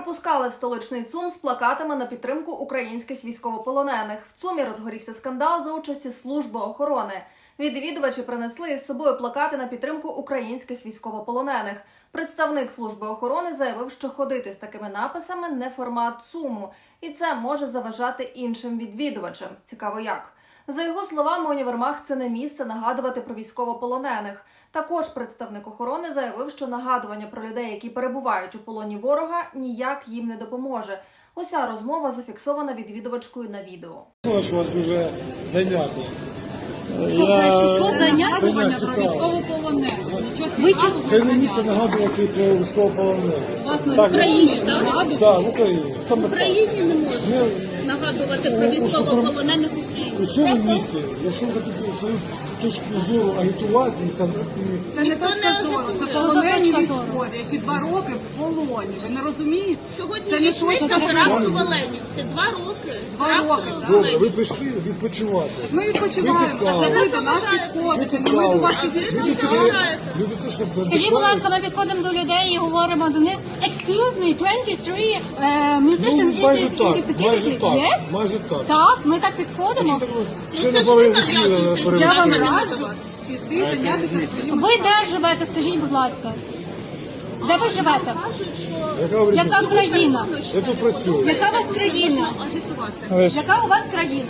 пропускали в столичний ЦУМ з плакатами на підтримку українських військовополонених. В ЦУМі розгорівся скандал за участі служби охорони. Відвідувачі принесли із собою плакати на підтримку українських військовополонених. Представник служби охорони заявив, що ходити з такими написами не формат ЦУМу, і це може заважати іншим відвідувачам. Цікаво як. За його словами, універмаг – це не місце нагадувати про військовополонених. Також представник охорони заявив, що нагадування про людей, які перебувають у полоні ворога, ніяк їм не допоможе. Уся розмова зафіксована відвідувачкою на відео. Що вас дуже зайняти. Що занятування про військовополонених? Це не місце нагадувати про військовополонених. В Україні, так? Так, в Україні. В Україні не можна нагадувати про військовополонених в Україні. У цьому місці, якщо ви хочете свою точку зору агітувати і казати... Це не точка зору, це полонені військові, які 2 роки в полоні. Ви не розумієте? Сьогодні річниця теракту в Оленівці. 2 роки. 2 роки. Добре, ви прийшли відпочивати. Ми відпочиваємо. Ви Ви нас до нас заважаєте. підходите. Ми до вас підійшли. Люди теж не Скажіть, будь ласка, ми підходимо до людей і говоримо до них Excuse me, 23 musician майже is так, майже так, Yes? майже так. Так, ми так підходимо. Ще не були засіли Я вам перевести. раджу піти зайнятися своїм. Ви де живете, скажіть, будь ласка? Де ви живете? Яка країна? Я тут працюю. Яка у вас країна? Яка у вас країна?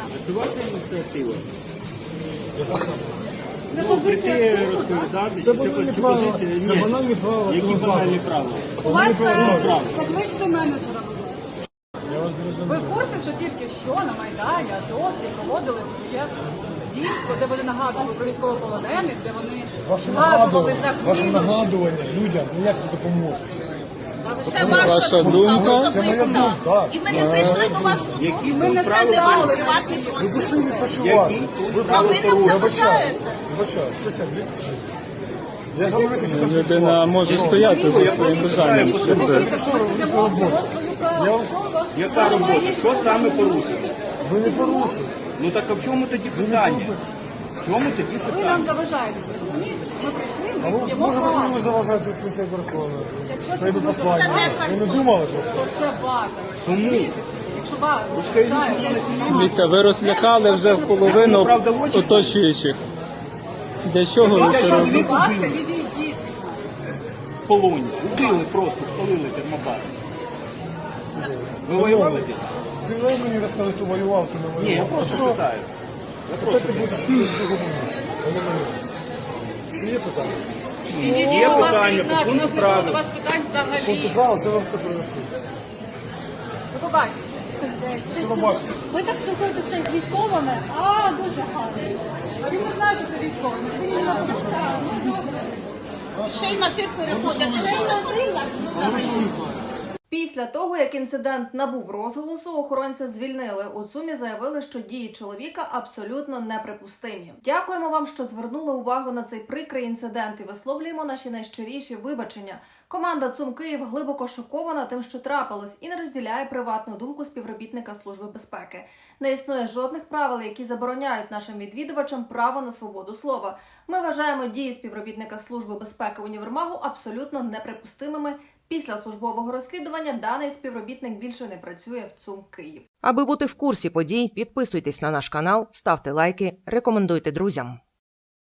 Прийти розповідати, Це банальні правила. Це банальні правила. які банальні правила. У вас покличте менеджера. Ви в курсі, що тільки що на Майдані азовці проводили своє дійство, де вони нагадували про військовополонених, де вони Ваше згадували нагадування людям ніяк не допоможе. Це ваша думка особиста. думка. І ми не прийшли до вас додому. Це не ваш приватний Ви простір. пішли відпочивати. А ви нам заважаєте. Вибачаю. Присядь, відпочи. Я за мене хочу Людина може стояти за своїм бажанням. Яка робота? Що саме порушено? Ви не порушуєте. Ну так а в чому тоді питання? В чому тоді Ви питання? нам заважаєте. Ми прийшли, А ми ви, п'ємо може ви каву. мені заважаєте це все верховне? Якщо Це це послання. не Ви не думали про це? Це вата. Тому Якщо вата вважає, Дивіться, ви розлякали вже половину оточуючих. Для чого ви це робите? будь ласка, відійдіть. в полоні. Убили просто, спалили термобар. Ви воювали десь? Ти не мені розказати, хто воював, хто не воював. Ні, я просто питаю. Хто ти будеш в другому місці? А не мені. Чи є питання? Є Будь ласка, питання від нас, по у нас пункту не було до правил. вас питань взагалі. Пункти права, це вам все принесли. Ви побачите. Що ви бачите? Ви так спілкуєтеся ще й з військовими? А, дуже гарно. А він не знає, що це військовий. Він не знає. Ще й на ти переходите. Ще й на ти. Після того, як інцидент набув розголосу, охоронця звільнили. У ЦУМі заявили, що дії чоловіка абсолютно неприпустимі. Дякуємо вам, що звернули увагу на цей прикрий інцидент і висловлюємо наші найщиріші вибачення. Команда ЦУМ Київ глибоко шокована тим, що трапилось, і не розділяє приватну думку співробітника Служби безпеки. Не існує жодних правил, які забороняють нашим відвідувачам право на свободу слова. Ми вважаємо дії співробітника Служби безпеки універмагу абсолютно неприпустимими. Після службового розслідування даний співробітник більше не працює в ЦУМ Київ. Аби бути в курсі подій, підписуйтесь на наш канал, ставте лайки, рекомендуйте друзям.